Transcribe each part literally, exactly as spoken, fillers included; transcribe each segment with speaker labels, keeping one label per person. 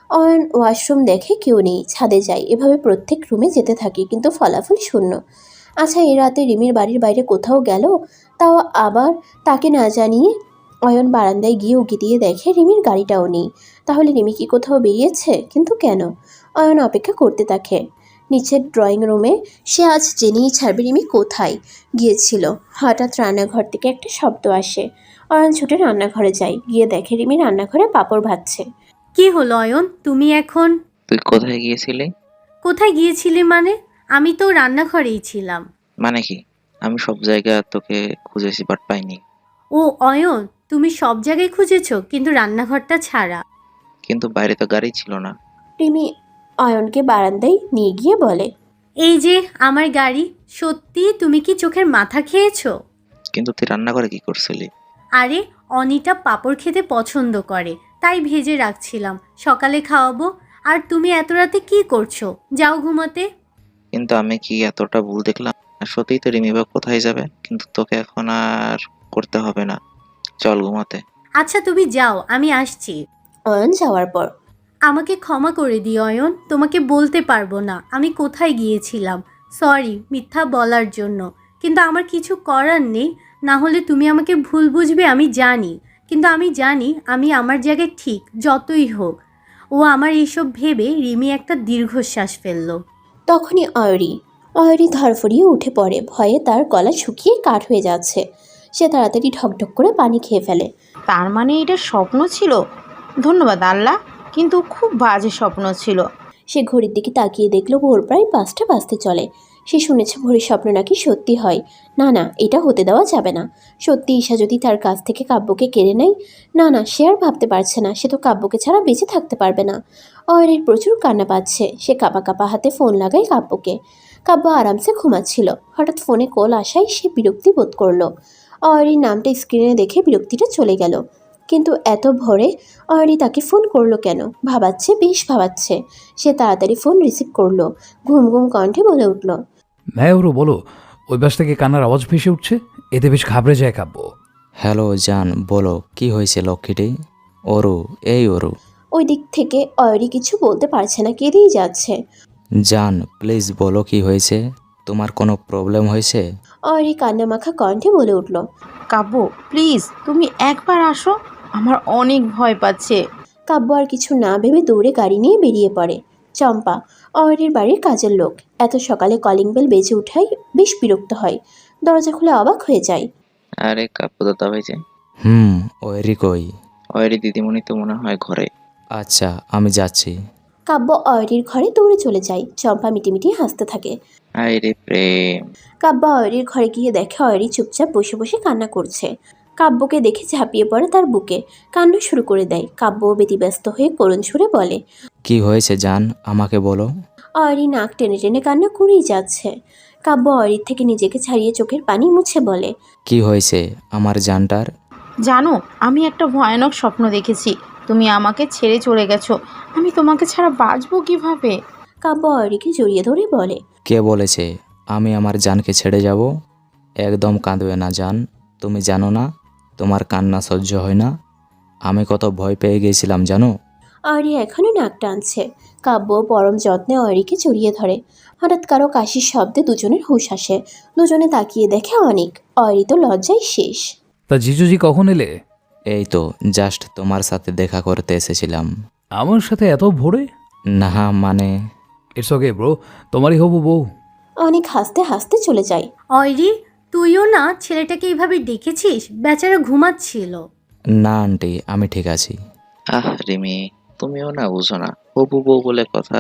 Speaker 1: Ayan washroom দেখে কেউ নেই, ছাদে যায়, এভাবে প্রত্যেক রুমে যেতে থাকে কিন্তু ফলাফল শূন্য। আচ্ছা, এই রাতে রিমির বাড়ির বাইরে কোথাও গেল, তাও আবার তাকে না জানিয়ে। অয়ন বারান্দায় গিয়ে উকি দিয়ে দেখে রিমির গাড়িটাও নেই। তাহলে রিমি কি কোথাও বেরিয়েছে? কিন্তু কেন? অয়ন অপেক্ষা করতে থাকে নিচের ড্রয়িং রুমে। সে আজ জেনেই ছাড়বে রিমি কোথায় গিয়েছিল। হঠাৎ রান্নাঘর থেকে একটা শব্দ আসে। অয়ন ছুটে রান্নাঘরে যায়, গিয়ে দেখে রিমি রান্নাঘরে পাঁপড় ভাজছে।
Speaker 2: কি হলো অয়ন, তুমি এখন?
Speaker 3: তুই কোথায় গিয়েছিলি?
Speaker 2: কোথায় গিয়েছিলি মানে? আমি তো রান্নাঘরেই ছিলাম।
Speaker 3: মানে কি? আমি সব জায়গা তোকে খুঁজেছি বাট পাইনি।
Speaker 2: ও অয়ন, তুমি সব জায়গায় খুঁজেছো কিন্তু রান্নাঘরটা ছাড়া।
Speaker 3: কিন্তু বাইরে তো গাড়ি ছিল না।
Speaker 1: রিমি অয়নকে বারান্দায় নিয়ে গিয়ে বলে,
Speaker 2: এই যে আমার গাড়ি। সত্যি তুমি কি চোখের মাথা খেয়েছো?
Speaker 3: কিন্তু তুই রান্না করে কি করছিলি?
Speaker 2: আরে, অনিটা পাঁপড় খেতে পছন্দ করে, তাই ভেজে রাখছিলাম, সকালে খাওয়াবো। আর তুমি এত রাতে কি করছো? যাও ঘুমাতে।
Speaker 3: কিন্তু আমি কি এতটা ভুল দেখলাম? আর সত্যিই তো রিমি বা কোথায় যাবে, কিন্তু তোকে এখন আর করতে হবে না, চল ঘুমাতে।
Speaker 2: আচ্ছা তুমি যাও, আমি আসছি।
Speaker 1: অয়ন যাওয়ার পর
Speaker 2: আমাকে ক্ষমা করে দিও অয়ন, তোমাকে বলতে পারবো না আমি কোথায় গিয়েছিলাম। সরি মিথ্যা বলার জন্য, কিন্তু আমার কিছু করার নেই। না হলে তুমি আমাকে ভুল বুঝবে আমি জানি, কিন্তু আমি জানি আমি আমার জায়গায় ঠিক, যতই হোক। ও আমার এইসব ভেবে রিমি একটা দীর্ঘশ্বাস ফেললো।
Speaker 1: তখনই অয়রি অয়রি ধরফরিয়ে উঠে পড়ে, ভয়ে তার গলা শুকিয়ে কাঠ হয়ে যাচ্ছে। সে তাড়াতাড়ি ঢকঢক করে পানি খেয়ে ফেলে।
Speaker 4: তার মানে এটা স্বপ্ন ছিল? ধন্যবাদ আল্লাহ, কিন্তু খুব বাজে স্বপ্ন ছিল।
Speaker 1: সে ঘড়ির দিকে তাকিয়ে দেখলো ভোর প্রায় পাঁচটা বাজতে চলে। সে শুনেছে ভোরের স্বপ্ন নাকি সত্যি হয়। না না, এটা হতে দেওয়া যাবে না। সত্যি ঈশা যদি তার কাছ থেকে কাব্যকে কেড়ে নেয়, না না, সে আর ভাবতে পারছে না, সে তো কাব্যকে ছাড়া বেঁচে থাকতে পারবে না। অয়রির প্রচুর কান্না পাচ্ছে। সে কাঁপা কাঁপা হাতে ফোন লাগায় কাব্যকে। কাব্য আরামসে ঘুমাচ্ছিল। হঠাৎ ফোনে কল আসায় সে বিরক্তি বোধ করলো। অয়রির নামটা স্ক্রিনে দেখে বিরক্তিটা চলে গেল। কিন্তু এত ভোরে অয়রি তাকে ফোন করলো কেন? ভাবাচ্ছে, বেশ ভাবাচ্ছে। সে তাড়াতাড়ি ফোন রিসিভ করলো। ঘুম ঘুম কণ্ঠে বলে উঠল,
Speaker 5: হ্যাঁ ওরু বলো। ওই পাশ থেকে কান্নার আওয়াজ ভেসে উঠছে, এতে বেশ ঘাবড়ে যায় কাব্য।
Speaker 6: হ্যালো জান, বলো কি হয়েছে লক্ষ্মীটি? ওরু, এই ওরু।
Speaker 1: ওই দিক থেকে অয়রি কিছু বলতে পারছে না, কেঁদেই যাচ্ছে।
Speaker 6: জান প্লিজ বলো কি হয়েছে, তোমার কোনো প্রবলেম হয়েছে?
Speaker 1: অয়রি কান্নামাখা কণ্ঠে বলে উঠল,
Speaker 4: কাব্য প্লিজ তুমি একবার আসো, আমার অনেক ভয় পাচ্ছে।
Speaker 1: কাব্য আর কিছু না ভেবে দৌড়ে গাড়ি নিয়ে বেরিয়ে পড়ে। চম্পা, অয়রির বাড়ির কাজের লোক, এত সকালে কলিং বেল বেজে উঠাই বেশ বিরক্ত হয়। দরজা খুলে অবাক হয়ে যায়।
Speaker 3: আরে কাব্য দাদা ভাই যে।
Speaker 6: হুম, ওয়েরি কই?
Speaker 3: ওয়েরি দিদিমণি তো মনে হয় ঘরে।
Speaker 6: আচ্ছা আমি যাচ্ছি।
Speaker 1: কাব্য অয়রির ঘরে দৌড়ে চলে যায়। চম্পা মিটিমিটি হাসতে থাকে।
Speaker 3: আয় রে প্রেম।
Speaker 1: কাব্য অয়রির ঘরে গিয়ে দেখে অয়রি চুপচাপ বসে বসে কান্না করছে। কাব্যকে দেখে ঝাঁপিয়ে পড়ে তার বুকে, কান্না শুরু করে দেয়। কাব্য ব্যতিব্যস্ত হয়ে করুণ সুরে বলে,
Speaker 6: কি হয়েছে জান, আমাকে বলো।
Speaker 1: অয়রি নাক টেনে টেনে কান্না করেই যাচ্ছে। কাব্য অয়রির থেকে নিজেকে ছাড়িয়ে চোখের পানি মুছে বলে,
Speaker 6: কি হয়েছে আমার জানটার?
Speaker 4: জানো, আমি একটা ভয়ানক স্বপ্ন দেখেছি, তুমি আমাকে ছেড়ে চলে গেছো। আমি তোমাকে ছাড়া বাঁচবো কিভাবে?
Speaker 1: কাব্য অয়রিকে জড়িয়ে ধরে বলে,
Speaker 6: কে বলেছে আমি আমার জানকে ছেড়ে যাব? একদম কাঁদবে না জান, তুমি জানো না তোমার কান্না সহ্য হয় না। আমি কত ভয় পেয়ে গেছিলাম জানো।
Speaker 1: অয়রি এখনো নাক টানছে। কাব্য পরম যত্নে অয়রিকে জড়িয়ে ধরে। হঠাৎ কারো কাশির শব্দে দুজনের হুঁশ আসে। দুজনে তাকিয়ে দেখে অনেক। অয়রি তো লজ্জায় শেষ।
Speaker 5: তা জিজুজি কখন এলে?
Speaker 6: এই তো জাস্ট তোমার সাথে দেখা করতে এসেছিলাম।
Speaker 5: আমার সাথে এত ভোরে?
Speaker 6: না মানে
Speaker 5: ইটস ওকে ব্রো, তোমারই হবু বউ।
Speaker 1: অনেক হাসতে হাসতে চলে যায়।
Speaker 2: অয়রি, তুইও না ছেলেটাকে এইভাবে ডেকেছিস? বেচারা ঘুমাচ্ছিল।
Speaker 6: না আন্টি, আমি ঠিক আছি।
Speaker 3: আহ রিমি, তুমিও না বুঝো না, হবু বউ বলে কথা।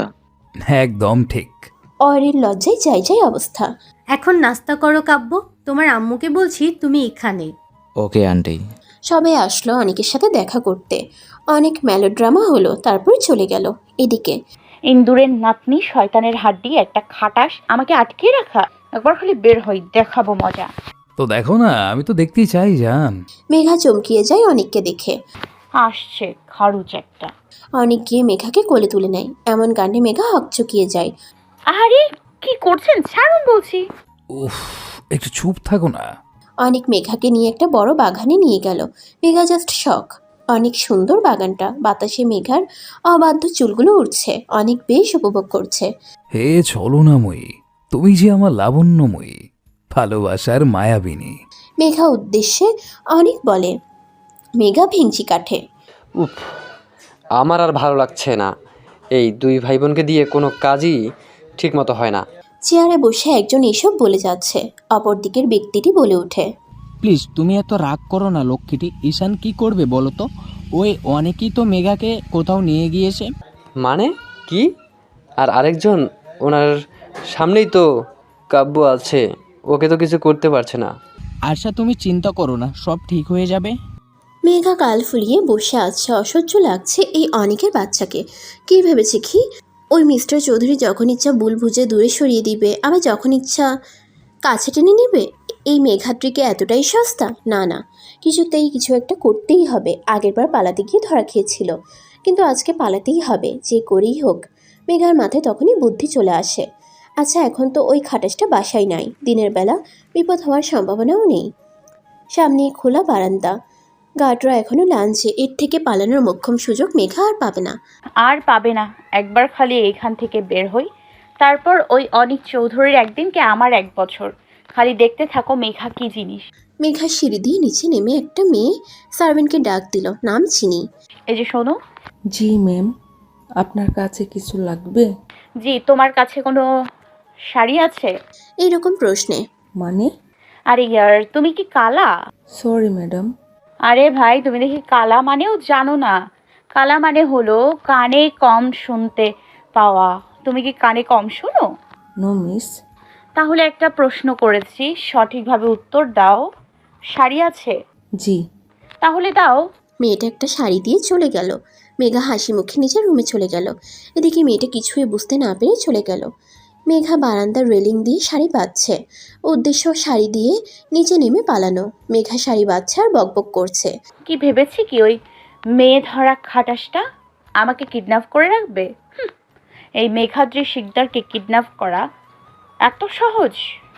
Speaker 5: একদম ঠিক।
Speaker 1: অয়রির লজ্জায় যাই যাই অবস্থা।
Speaker 2: এখন নাস্তা করো কাব্য, তোমার আম্মুকে বলছি তুমি এখানে।
Speaker 6: Okay aunty.
Speaker 1: সবাই আসলো অনেকের সাথে দেখা করতে। অনেক মেলোড্রামা হলো, তারপর চলে গেল। এদিকে
Speaker 7: ইন্দুরের নাতনি শয়তানের হাড্ডি একটা খাটাস আমাকে আটকে রাখা। একবার খালি বের হই, দেখাবো মজা।
Speaker 5: তো দেখো না, আমি তো দেখতেই চাই জান।
Speaker 1: মেঘা চমকিয়ে যায় অনেককে দেখে।
Speaker 7: আসছে খারুচ একটা।
Speaker 1: অনেক গিয়ে মেঘাকে কোলে তুলে নেয়। এমন কাণ্ডে মেঘা হকচকিয়ে যায়।
Speaker 7: আরে কি করছেন, ছাড়ুন বলছি।
Speaker 5: উফ, একটু চুপ থাকো না।
Speaker 1: অনেক মেঘাকে নিয়ে একটা বড় বাগানে নিয়ে গেল। মেঘা জাস্ট শখ। অনেক সুন্দর বাগানটা, বাতাসে মেঘার অবাধ্য চুলগুলো উঠছে, অনেক বেশ উপভোগ করছে।
Speaker 5: হে ছলনাময়ী, তুমি যে আমার লাবণ্যময়ী, ভালোবাসার মায়াবিনী।
Speaker 1: মেঘা উদ্দেশ্যে অনেক বলে। মেঘা ভেঙচি কাঠে।
Speaker 8: উফ, আমার আর ভালো লাগছে না। এই দুই ভাই বোনকে দিয়ে কোনো কাজই ঠিক মতো হয় না।
Speaker 1: চেয়ারে বসে একজন এসব বলে যাচ্ছে, অপর দিকের ব্যক্তিটি বলে ওঠে।
Speaker 9: প্লিজ তুমি এত রাগ করো না লক্ষ্মীটি। ঈশান কি করবে বলো তো? ওই অনেকেই তো মেঘাকে কোথাও নিয়ে গিয়েছে।
Speaker 8: মানে কি? আর আরেকজন ওনার সামনেই তো কাব্য আছে, ওকে তো কিছু করতে পারছে না।
Speaker 9: আশা তুমি চিন্তা করো না, সব ঠিক হয়ে যাবে।
Speaker 1: মেঘা কাল ফুলিয়ে বসে আছে, অসহ্য লাগছে এই অনেকের বাচ্চাকে। কি ভেবেছে কি ওই মিস্টার চৌধুরী যখন ইচ্ছা বুল বুঝে দূরে সরিয়ে দিবে, আবার যখন ইচ্ছা কাছে টেনে নেবে? এই মেঘাদ্রিকে এতটাই সস্তা? না না, কিছুতেই কিছু একটা করতেই হবে। আগেরবার পালাতে গিয়ে ধরা খেয়েছিল, কিন্তু আজকে পালাতেই হবে, যে করেই হোক। মেঘার মাথায় তখনই বুদ্ধি চলে আসে। আচ্ছা, এখন তো ওই খাটাসটা বাসায় নাই, দিনের বেলা বিপদ হওয়ার সম্ভাবনাও নেই। সামনে খোলা বারান্দা, গার্ডরা এখনও লাঞ্চে, এর থেকে পালানোর মোক্ষম সুযোগ মেঘা আর পাবে না।
Speaker 7: আর পাবে না। একবার খালি এইখান থেকে বের হই, তারপর ওই অনিক চৌধুরীর একদিনকে আমার এক বছর। খালি দেখতে থাকো মেঘা কি জিনিস।
Speaker 1: মেঘা সিঁড়ি দিয়ে নিচে নেমে একটা মেয়ে সার্ভেন্টকে ডাক দিল, নাম চিনি।
Speaker 7: এই যে শোনো।
Speaker 10: জি ম্যাম, আপনার কাছে কিছু লাগবে?
Speaker 7: জি, তোমার কাছে কোনো শাড়ি আছে?
Speaker 1: এইরকম প্রশ্নে
Speaker 10: মানে?
Speaker 7: আরে ইয়ার, তুমি কি কালা?
Speaker 10: Sorry madam.
Speaker 7: আরে ভাই, তুমি দেখি কালা মানেও জানো না। কালা মানে হলো কানে কম শুনতে পাওয়া। তুমি কি কানে কম শোনো?
Speaker 10: No miss.
Speaker 7: তাহলে একটা প্রশ্ন করেছি, সঠিকভাবে উত্তর দাও। শাড়ি আছে?
Speaker 10: জি।
Speaker 7: তাহলে দাও।
Speaker 1: মেয়েটা একটা শাড়ি দিয়ে চলে গেল। মেঘা হাসি মুখে নিজের রুমে চলে গেল। এদিকে মেয়েটা কিছুই বুঝতে না পেরে চলে গেল। মেঘা বারান্দার রেলিং দিয়ে শাড়ি বাঁধছে, উদ্দেশ্য শাড়ি দিয়ে নিচে নেমে পালানো। মেঘা শাড়ি বাঁধছে আর বকবক করছে।
Speaker 7: কি ভেবেছি কি ওই মেয়ে ধরা খাটাসটা আমাকে কিডন্যাপ করে রাখবে? হুম, এই মেঘাদ্রি শিকদারকে কিডন্যাপ করা এত সহজ?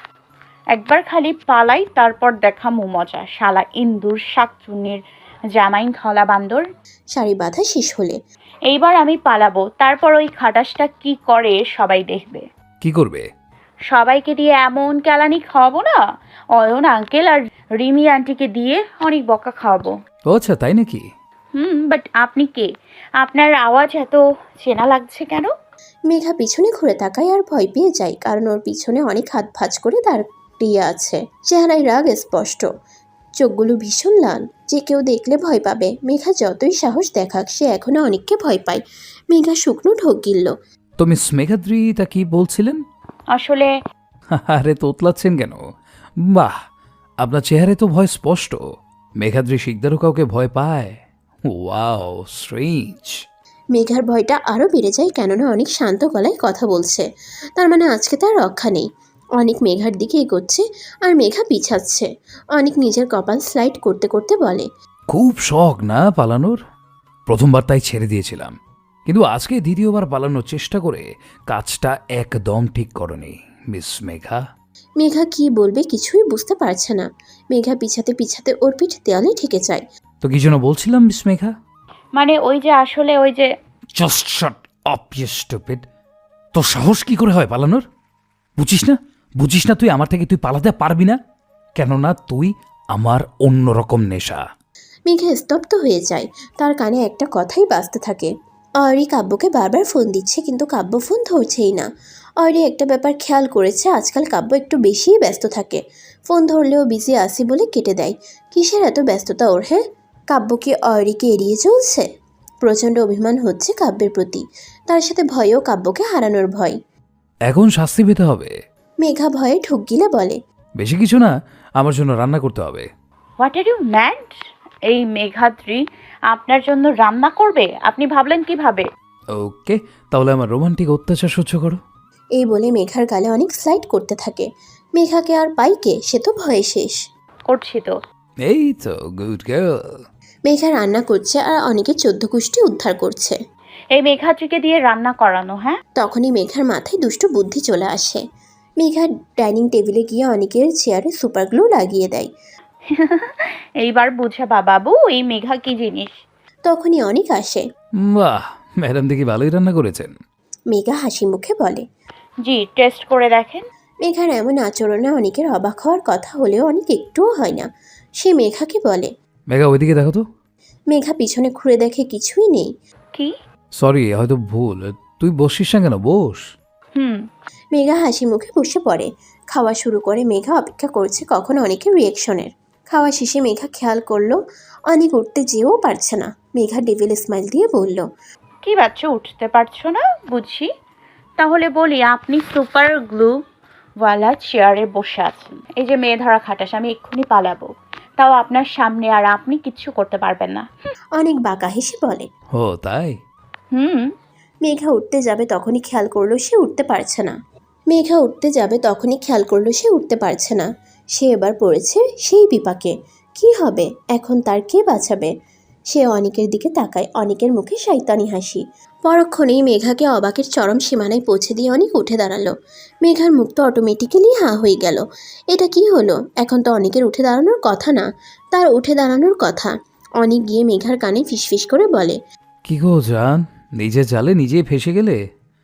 Speaker 7: একবার খালি পালাই, তারপর দেখামু মজা। শালা ইন্দুর শাকচুনির জামাইন খলা বান্দর।
Speaker 1: শাড়ি বাঁধা শেষ হলে
Speaker 7: এইবার আমি পালাবো, তারপর ওই খাটাসটা কি করে সবাই দেখবে।
Speaker 5: কি করবে?
Speaker 7: সবাইকে দিয়ে এমন কেলানি খাওয়াবো না, অয়ন আঙ্কেল আর রিমি আন্টিকে দিয়ে অনেক বকা খাওয়াবো।
Speaker 5: ও আচ্ছা, তাই নাকি?
Speaker 7: হুম, বাট আপনি কে? আপনার আওয়াজ এত চেনা লাগছে কেন?
Speaker 1: মেঘা পিছনে ঘুরে তাকায় আর ভয় পেয়ে যায়, কারণ ওর পিছনে অনেক হাত ভাঁজ করে দাঁড়িয়ে আছে। চেহারায় রাগ স্পষ্ট, চোখগুলো ভীষণ লাল, যে কেউ দেখলে ভয় পাবে। মেঘা যতই সাহস দেখাক, সে এখনো অনেককে ভয় পায়। মেঘা শুকনো ঢোক গিলল।
Speaker 5: তো মিস মেঘাদ্রি তা কি বলছিলেন?
Speaker 7: আসলে
Speaker 5: আরে তোতলাচ্ছেন কেন? বাহ, আপনার চেহারায় তো ভয় স্পষ্ট। মেঘাদ্রি শিকদারও কাউকে ভয় পায়? Wow, strange.
Speaker 1: মেঘার ভয়টা আরও বেড়ে যায়, কেননা অনেক শান্ত গলায় কথা বলছে। তার মানে আজকে তার রক্ষা নেই। অনেক মেঘার দিকে এগোচ্ছে আর মেঘা পিছাচ্ছে। অনেক নিজের কপাল স্লাইড করতে করতে বলে,
Speaker 5: খুব শখ না পালানোর? প্রথমবার তাই ছেড়ে দিয়েছিলাম, কিন্তু আজকে দ্বিতীয়বার পালানোর চেষ্টা করে কাজটা একদম ঠিক করনি মিস মেঘা।
Speaker 1: মেঘা কি বলবে কিছুই বুঝতে পারছে না। মেঘা পিছাতে পিছাতে ওর পিঠ দেয়ালে ঠেকে যায়।
Speaker 5: তো কি যেন বলছিলাম মিস মেঘা?
Speaker 7: মানে ওই যে আসলে ওই যে
Speaker 5: just shut up you stupid. তোর সাহস কি করে হয় পালানোর? বুঝিস না বুঝিস না তুই আমার থেকে তুই পালাতে পারবি না, কেননা তুই আমার অন্যরকম নেশা।
Speaker 1: মেঘা স্তব্ধ হয়ে যায়, তার কানে একটা কথাই বাজতে থাকে। অয়রি কাব্যকে বারবার ফোন দিচ্ছে, কিন্তু কাব্য ফোন ধরছেই না। অয়রি একটা ব্যাপার খেয়াল করেছে, আজকাল কাব্য একটু বেশিই ব্যস্ত থাকে। ফোন ধরলেও বিজি আসি বলে কেটে দেয়। কিসের এত ব্যস্ততা ওর? হ্যাঁ, কাব্য কি অয়রিকে এড়িয়ে চলছে? প্রচণ্ড অভিমান হচ্ছে কাব্যের প্রতি, তার সাথে ভয়ও, কাব্যকে হারানোর ভয়।
Speaker 5: এখন শাস্তি পেতে হবে।
Speaker 1: মেঘা ভয়ে ঢুক গিলে বলে,
Speaker 5: বেশি কিছু না, আমার জন্য রান্না করতে হবে।
Speaker 7: What are you mad? এই মেঘাদ্রি আপনার জন্য রান্না করবে? আপনি ভাবলেন কিভাবে?
Speaker 5: ওকে, তাহলে আমার রোমান্টিক অত্যাচার সহ্য করো।
Speaker 1: এই বলে মেঘার গালে অনেক স্লাইড করতে থাকে। মেঘাকে আর পাইকে, সে তো ভয়ে শেষ।
Speaker 7: করছি তো।
Speaker 5: এই তো গুড গার্ল।
Speaker 1: মেঘা রান্না করছে আর অনেকের চোদ্দ কুষ্টি উদ্ধার করছে।
Speaker 7: এই মেঘাদ্রিকে দিয়ে রান্না করানো? হ্যাঁ।
Speaker 1: তখনই মেঘার মাথায় দুষ্ট বুদ্ধি চলে আসে। মেঘা ডাইনিং টেবিলে গিয়ে অনেকের চেয়ারে সুপার গ্লু লাগিয়ে দেয়।
Speaker 7: এইবার বুঝাবা বাবু এই মেঘা কি জিনিস।
Speaker 1: তখনই অনেক আসে।
Speaker 5: বাহ, ম্যাডাম দেখি ভালোই রান্না করেছেন।
Speaker 1: মেঘা হাসি মুখে বলে।
Speaker 7: জি, টেস্ট করে দেখেন।
Speaker 1: মেঘার এমন আচরণে অনেকের অবাক হওয়ার কথা হলেও অনেক একটুও হয় না। সে মেঘাকে বলে।
Speaker 5: মেঘা ওইদিকে দেখো তো।
Speaker 1: মেঘা পিছনে ঘুরে দেখে কিছুই নেই।
Speaker 7: কি?
Speaker 5: সরি, হয়তো ভুল। তুই বসিস না কেন, বস।
Speaker 7: হুম।
Speaker 1: মেঘা হাসি মুখে বসে পড়ে। খাওয়া শুরু করে। মেঘা অপেক্ষা করছে কখন অনেকের রিয়েকশনের। খাওয়া শেষে মেঘা খেয়াল করলো অনেক উঠতে যেও পারছে না। মেঘা ডেভিল স্মাইল দিয়ে বলল।
Speaker 7: কি বাচ্চা, উঠতে পারছো না বুঝি? তাহলে বলি, আপনি সুপার গ্লু ওয়ালা চেয়ারে বসে আছেন। এই যে মেয়ে ধরা খাটাস, আমি এক্ষুনি পালাবো, তাও আপনার সামনে, আর আপনি কিচ্ছু করতে পারবেন না।
Speaker 1: অনেক বাঁকা হেসে বলে।
Speaker 5: ও তাই?
Speaker 7: হুম।
Speaker 1: মেঘা উঠতে যাবে তখনই খেয়াল করলো সে উঠতে পারছে না। মেঘা উঠতে যাবে তখনই খেয়াল করলো সে উঠতে পারছে না। সে এবার পড়েছে সেই বিপাকে। কি হবে এখন, তার কে বাঁচাবে? সে অনেকের দিকে তাকায়। অনেকের মুখে শয়তানি হাসি। পরক্ষণেই মেঘাকে অবাকের চরম সীমানায় পৌঁছে দিয়ে অনেক উঠে দাঁড়ালো। মেঘার মুখ তো অটোমেটিক্যালি হাঁ হয়ে গেল। এটা কি হলো? এখন তো অনেকের উঠে দাঁড়ানোর কথা না, তার উঠে দাঁড়ানোর কথা। অনেক গিয়ে মেঘার কানে ফিসফিস করে বলে।
Speaker 5: কি গো জান, নিজে জালে নিজেই ফেসে গেলে?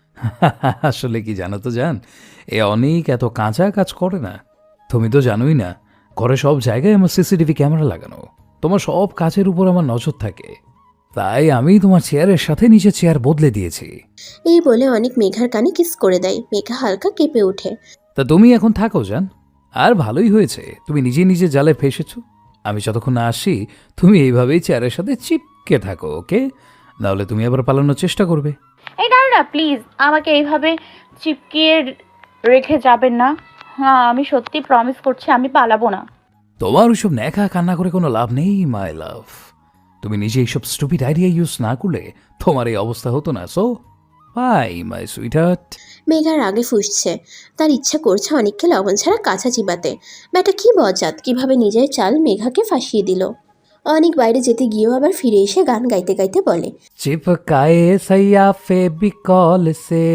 Speaker 5: আসলে কি জানো তো জান, এ অনেক এত কাঁচা কাজ করে না। তুমি তো জানোই না, ঘরে সব জায়গায় আমার সিসিটিভি ক্যামেরা লাগানো। তোমার সব কাজের উপর আমার নজর থাকে, তাই আমি তোমার চেয়ারের সাথে নিচে চেয়ার বদলে দিয়েছি।
Speaker 1: এই বলে অনেক মেঘার কানে কিস করে দেয়। মেঘা হালকা কেঁপে ওঠে।
Speaker 5: তা তুমি এখন থাকো জান, আর ভালোই হয়েছে তুমি নিজে নিজে জালে ফেসেছো। আমি যতক্ষণ না আসি তুমি এইভাবেই চেয়ারের সাথে চিপকে থাকো, ওকে? নাহলে তুমি আবার পালানোর চেষ্টা করবে।
Speaker 7: এই না না, প্লিজ আমাকে এইভাবে চিপকিয়ে রেখে যাবেন না। হ্যাঁ, আমি সত্যি প্রমিস করছি আমি পালাবো না।
Speaker 5: তোমার ওইসব ন্যাকা কান্না করে কোনো লাভ নেই মাই লাভ। তুমি নিজে এইসব স্টুপিড আইডিয়া ইউজ না করলে তোমার এই অবস্থা হতো না। So bye my sweetheart.
Speaker 1: মেঘার আগে ফুসছে। তার ইচ্ছা করছে অনেককে লবণ ছাড়া কাঁচা চিবাতে। ব্যাটা কি বজাত, কিভাবে নিজের চাল মেঘাকে ফাঁসিয়ে দিল। অনেক বাইরে যেতে গিয়েও আবার ফিরে এসে গান গাইতে গাইতে বলে।
Speaker 5: চিপকায়ে সैया फेविकॉल से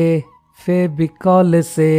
Speaker 5: फेविकॉल से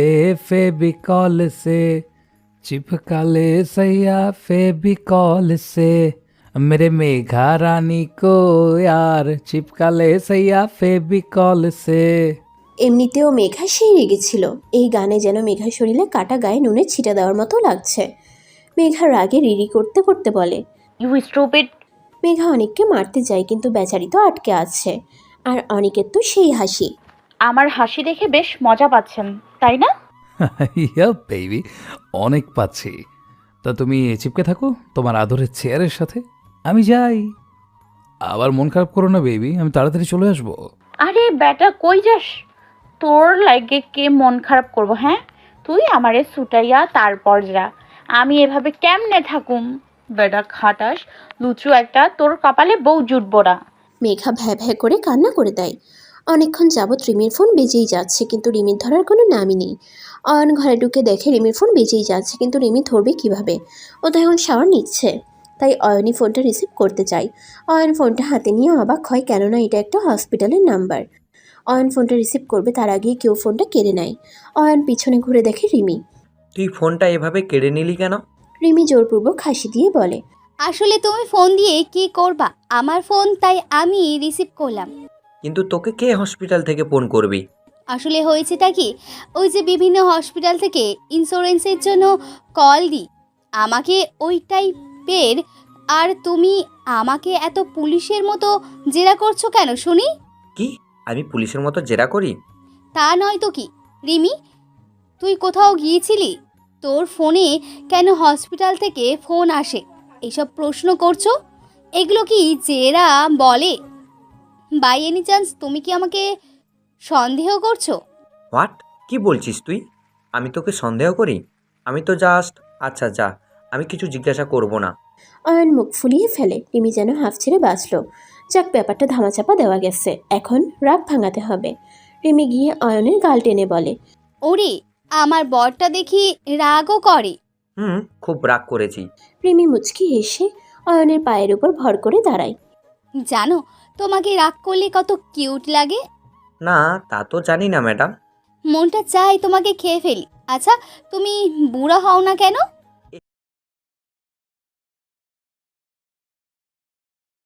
Speaker 5: फेविकॉल से चिपका ले सैया फेविकॉल से मेरे मेघा रानी को यार चिपका ले सैया फेविकॉल से।
Speaker 1: এমনিতেও মেঘা সেই রেগেছিল। এই গানে যেন মেঘার শরীরে কাটা গায়ে নুনের ছিটা দেওয়ার মতো লাগছে। মেঘা রাগে রিরি করতে করতে বলে।
Speaker 7: You stupid.
Speaker 1: মেঘা অনেককে মারতে যায় কিন্তু বেচারি তো আটকে আছে। আর অনেকের তো সেই হাসি।
Speaker 7: আমার হাসি দেখে বেশ মজা পাচ্ছেন তাই না?
Speaker 5: ইয়া বেবি, অনেক পাচ্ছি। তা তুমি চিপকে থাকো তোমার আদরের চেয়ারের সাথে, আমি যাই। আবার মন খারাপ করো না বেবি, আমি তাড়াতাড়ি চলে আসবো।
Speaker 7: আরে বেটা, কই যাস? তোর লাগে কে মন খারাপ করবো? হ্যাঁ, তুই আমারে ছুটাইয়া তারপর যা। আমি এভাবে কেমনে থাকুম? বেটা খাটাস, লুচু একটা, তোর কপালে বউ জুটবো না।
Speaker 1: মেঘা ভ্যা ভ্যা করে কান্না করে দেয়। অনেকক্ষণ যাবৎ রিমির ফোন বেজেই যাচ্ছে কিন্তু রিমির ধরার কোনো নামই নেই। অয়ন ঘরে ঢুকে দেখে রিমির ফোন বেজেই যাচ্ছে কিন্তু রিমি ধরবে কিভাবে? ও তো এখন শাওয়ার নিচ্ছে। তাই অয়নই ফোনটা রিসিভ করতে চায়। অয়ন ফোনটা হাতে নিয়ে অবাক হয়, কেননা এটা একটা হসপিটালের নাম্বার। অয়ন ফোনটা রিসিভ করবে তার আগেই কেউ ফোনটা কেড়ে নেয়। অয়ন পিছনে ঘুরে দেখে রিমি।
Speaker 11: তুই ফোনটা এভাবে কেড়ে নিলি কেন?
Speaker 1: রিমি জোরপূর্বক হাসি দিয়ে বলে।
Speaker 12: আসলে তুমি ফোন দিয়ে কি করবা? আমার ফোন, তাই আমি রিসিভ করলাম।
Speaker 11: কিন্তু তোকে কে হসপিটাল থেকে ফোন করবি?
Speaker 12: আসলে হয়েছেটা কি, ওই যে বিভিন্ন হসপিটাল থেকে ইন্স্যুরেন্সের জন্য কল দিই, আমাকে ওই টাইপের। আর তুমি আমাকে এত পুলিশের মতো জেরা করছো কেন শুনি?
Speaker 11: কি আমি পুলিশের মতো জেরা করি?
Speaker 12: তা নয় তো কি রিমি, তুই কোথাও গিয়েছিলি? তোর ফোনে কেন হসপিটাল থেকে ফোন আসে? এইসব প্রশ্ন করছো, এগুলো কি জেরা বলে? বাই এনি চান্স তুমি কি আমাকে সন্দেহ করছো?
Speaker 11: হোয়াট? কি বলছিস তুই? আমি তোকে সন্দেহ করি? আমি তো জাস্ট, আচ্ছা যা, আমি কিছু জিজ্ঞাসা করব না।
Speaker 1: অয়ন মুখ ফুলিয়ে ফেলে। রিমি যেন হাফ ছেড়ে বাঁচল। যাক, ব্যাপারটা ধামাচাপা দেওয়া গেছে, এখন রাগ ভাঙাতে হবে। রিমি গিয়ে অয়নের গাল টেনে বলে।
Speaker 12: ওরে, আমার বরটা দেখি রাগও করে।
Speaker 11: হুম, খুব রাগ করেছি।
Speaker 1: রিমি মুচকি হেসে অয়নের পায়ের উপর ভর করে দাঁড়ায়।
Speaker 12: জানো, তোমাকে রাগ করলে কত কিউট লাগে।
Speaker 11: না, তা তো জানি না ম্যাডাম।
Speaker 12: মনটা চায় তোমাকে খেয়ে ফেলি। আচ্ছা, তুমি বুড়া হও না কেন?